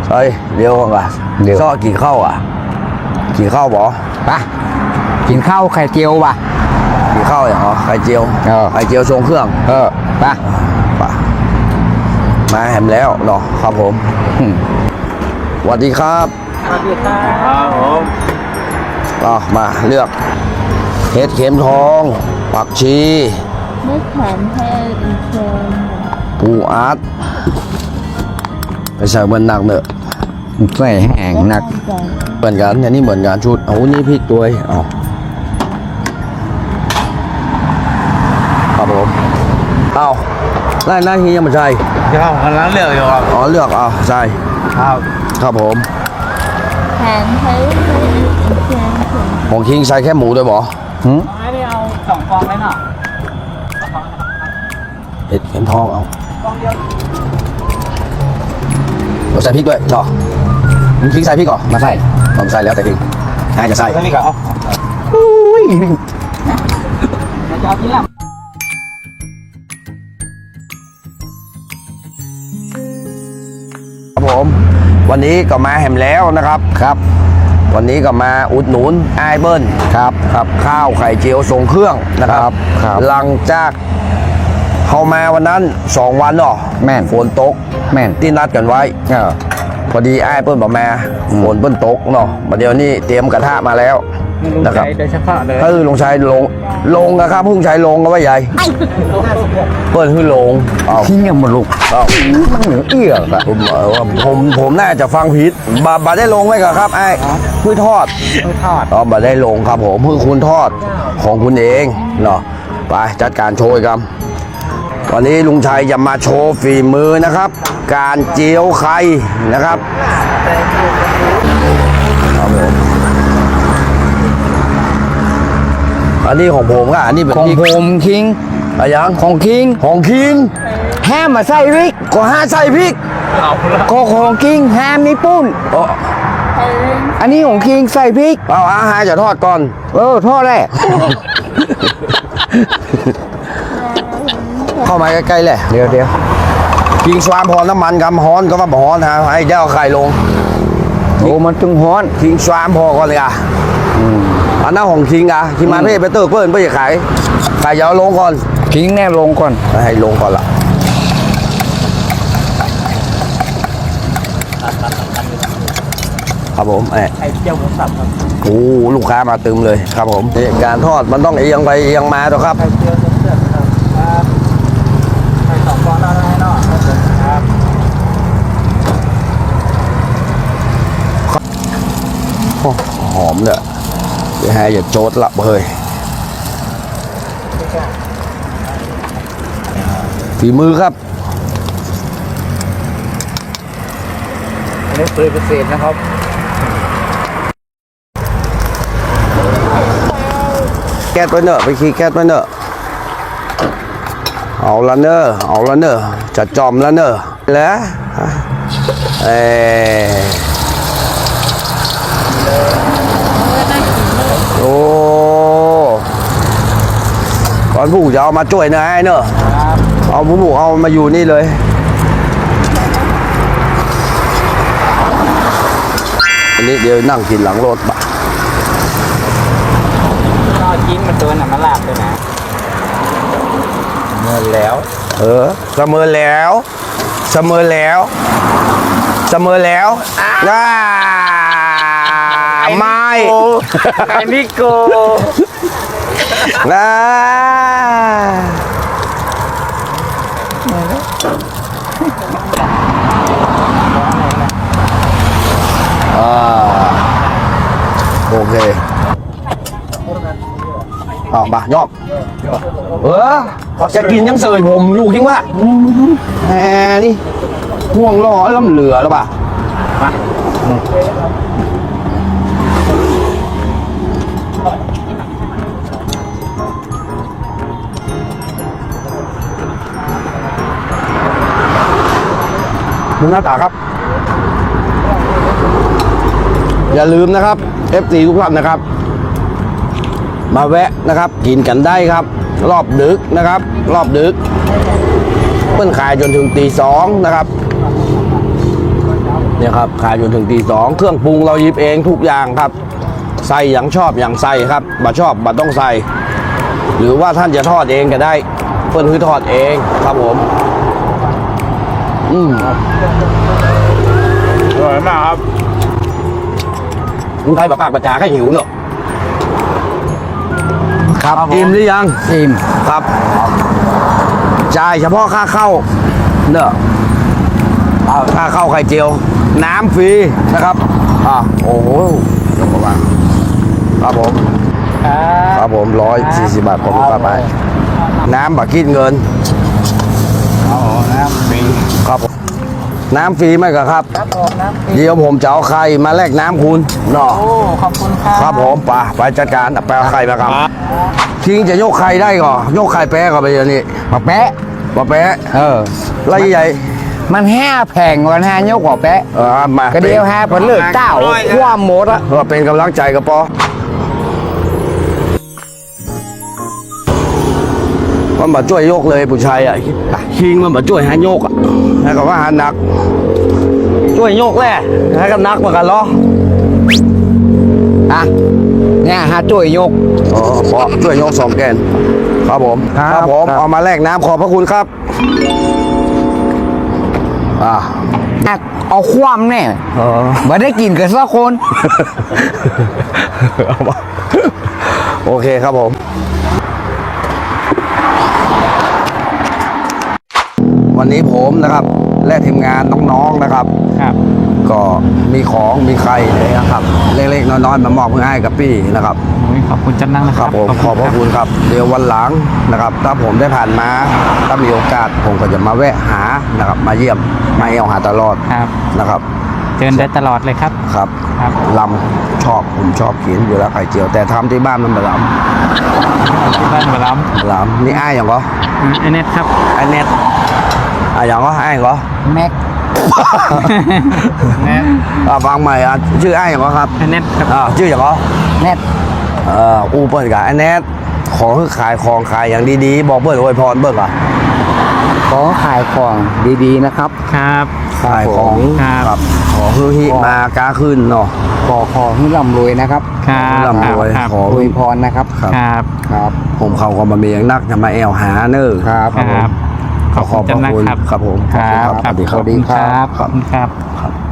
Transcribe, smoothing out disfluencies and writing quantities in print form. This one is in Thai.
เฮ้ยเดี๋ยวก่อนเดี๋ยวซ่อกี่ข้าวอ่ะกี่ข้าวบอปะกินข้าวไข่เจียวป่ะกี่ข้าวอย่างเหรอไข่เจียวไข่เจียวทรงเครื่องปะมาแหมแล้วเนาะครับผมสวัสดีครับสวัสดีครับผมมาเลือกเห็ดเข็มทองผักชีไม่แข็งแค่อีกเชิญปูอัดไปใส่เบนหนักเนอะใส่แห้งหนักเหมือนกันอันนี้เหมือนกันชุดเอานี่พริกตัวเอาครับผมเอาหน้าที่ยังไม่ใช่ครับกำลังเลือกอยู่ครับเลือกใช่ครับผมแข็งแค่อีกเชิญของคิงใส่แค่หมูด้วยบอไม่ได้เอา2 ฟองเลยเนาะเห็ดเข็มทองเอาฟองเดียวเราใส่พริกด้วยต่อมึงคิงใส่พริกก่อนมาใส่ผมใส่แล้วแต่คิงน่าจะใส่พริกเหรออุ้ยจะเอาที่หลังครับผมวันนี้ก็มาแหมแล้วนะครับวันนี้ก็มาอุดหนุนไอเบิ้ลครับข้าวไข่เจียวทรงเครื่องนะครับหลังจากเข้ามาวันนั้น2 วันเนาะแม่นฝนตกแม่นที่นัดกันไว้พอดีไอ้เปิ้ลบอกมาฝนเปิ้ลตกเนาะมาเดี๋ยวนี้เตรียมกระทะมาแล้วนะครับโดยเฉพาะเลยลงชายลงนะครับพึ่งชายลงก็ว่าใหญ่เปิ้ลคือลงที่ยังมาลุกมันเหนือเอี้ยอะผมน่าจะฟังผิดบาได้ลงไหมครับไอ้คือทอดบาได้ลงครับผมคือคุณทอดของคุณเองเนาะไปจัดการโชยครับวันนี้ลุงชัยจะมาโชว์ฝีมือนะครับการเจียวไข่นะครับอันนี้ของผมก็อันนี้เป็นของผมคิงอะไรยังของคิงแฮมมาใส่พริกก็ใส่พริกก็ของคิงแฮมนี่ปุ้นอันนี้ของคิงใส่พริกอาหารจะทอดก่อนทอดแหละเข้ามาใกล้ๆเลยเดี๋ยวกิงสวามพอน้ำมันกำฮ้อนก็ว่าฮ้อนฮะให้เจ้าไข่ลงมันตึงฮ้อนกิงสวามพอก่อนเลยอันนั้นของคิงคิงมาเพ่ไปเติร์เพิ่นเพื่อจะขายไข่ยาวลงก่อนคิงแน่ลงก่อนให้ลงก่อนละครับผมไข่เจียวหมูสับครับลูกค้ามาตึมเลยครับผมการทอดมันต้องเอียงไปเอียงมาตัวครับไข่เจียวครับไข่2 ฟองได้เนาะครับหอมเลยเดี๋ยวให้อย่าโจดละเฮ้ยฝีมือครับอันนี้เปอร์เซ็นต์นะครับแก๊สไปเนอะไปขี่แก๊สไปเนอะเอาละเนอะจะจอมละเนอะแล้วโอ้ก่อนผู้จะเอามาช่วยนะไอ้เนอะเอาผู้เอามาอยู่นี่เลยอันนี้เดี๋ยวนั่งกินหลังรถปะจิ้มมันตัวน่ะมันลาบเลยนะเมื่อแล้วเสมอแล้วไม่ไอ้นิโกโอเคมายอบจะกินยังเสยผมอยู่จริงวะนี่ห่วงล้อล้ำเหลือแล้วป่ะดูหน้าตาครับอย่าลืมนะครับ FC ทุกท่านนะครับมาแวะนะครับกินกันได้ครับรอบดึกนะครับรอบดึกเปิ้ลขายจนถึงตี 2นะครับเนี่ยครับขายจนถึงตีสองเครื่องปรุงเราหยิบเองทุกอย่างครับ ใส่อย่างชอบอย่างใส่ครับบ่ชอบบ่ต้องใส่ หรือว่าท่านจะทอดเองก็ได้เพิ่นคือทอดเองครับผมอร่อยมากครับมึงใครปากประจาให้หิวเนอะครับอิ่มหรือยังอิ่มครับจ่ายเฉพาะค่าเข้าเนอะค่าเข้าไข่เจียว น้ำฟรีนะครับโอ้โหเดี๋ยวประมาณครับผมครับผม140 บาทขอบคุณครับไปน้ำบักคิดเงินน้ำฟรีครับผมน้ำฟรีไหมครับครับผมน้ำฟรีเดี๋ยวผมจะเอาไข่มาแลกน้ำคุณเนาะโอ้ขอบคุณครับครับผมไปจัดการไปเอาไข่มาครับทิ้งจะยกไข่ได้ก่อนยกไข่แป๊ะก่อนไปอย่างนี้มาแปะมาแป๊ะ ไรใหญ่มัน5แผงวัน5ยกกว่าแปะมากระเดียว5ผลเลือดเก้าความหมดอะเป็นกำลังใจกับปอมันมาช่วยยกเลยผู้ชายอ่ะคิงมันมาช่วยหายกอ่ะให้กับว่าหานัก ช่วยยกแหละให้กับนักเหมือนกันเหรออ่ะเนี่ยหาจ่วยยกอ๋อพอช่วยยก2 แกนครับผมครับผมครับเอามาแลกน้ำขอบพระคุณครับเอาความแน่อ๋อไม่ได้กินกันสักคนเอามาโอเคครับผม วันนี้ผมนะครับ และทีมงานน้องๆนะครับครับก็มีของมีไข่เลยนะครับ เล็กๆน้อยๆมามอบเพื่อให้กับพี่นะครับขอบคุณจันนั่งนะคครัรับบ ผมขอบพระคุณครับ เดี๋ยววันหลังนะครับ ถ้าผมได้ผ่านมาถ้ามีโอกาสผมก็จะมาแวะหานะครับ มาเยี่ยมมาเอวหาตลอดครับนะครับเชิญได้ตลอดเลยครับครับครับลำผมชอบกินอยู่แล้วไข่เจียว แต่ทำที่บ้านมันไม่ลที่บ้านมาล้ำลำนี่อ้ายอย่างก็ำไอเน็ตครับไอ้เน็ตอย่างก็อ้ายก็แม็กเน็ตฟังใหม่ชื่ออ้ายอย่างก็ครับไอเน็ตครับชื่ออย่างก็แน็ตอูเปิดกับไอ้เน็ตของคือขายของขายอย่างดีๆ บอกเบิร์ดอวยพรเบิร์ดอ่ะขอขายของดีๆนะครับครับขายของครับของคือฮิมากาขึ้นเนาะขอให้ร่ำรวยนะครับครับร่ำรวยครับขออวยพรนะครับครับครับครับผมเขาก็มาเมียงนักจะมาแอวหาเนอร์ครับครับขอบพระคุณจันนั่งครับครับผมครับสวัสดีครับสวัสดีครับขอบคุณครับครับ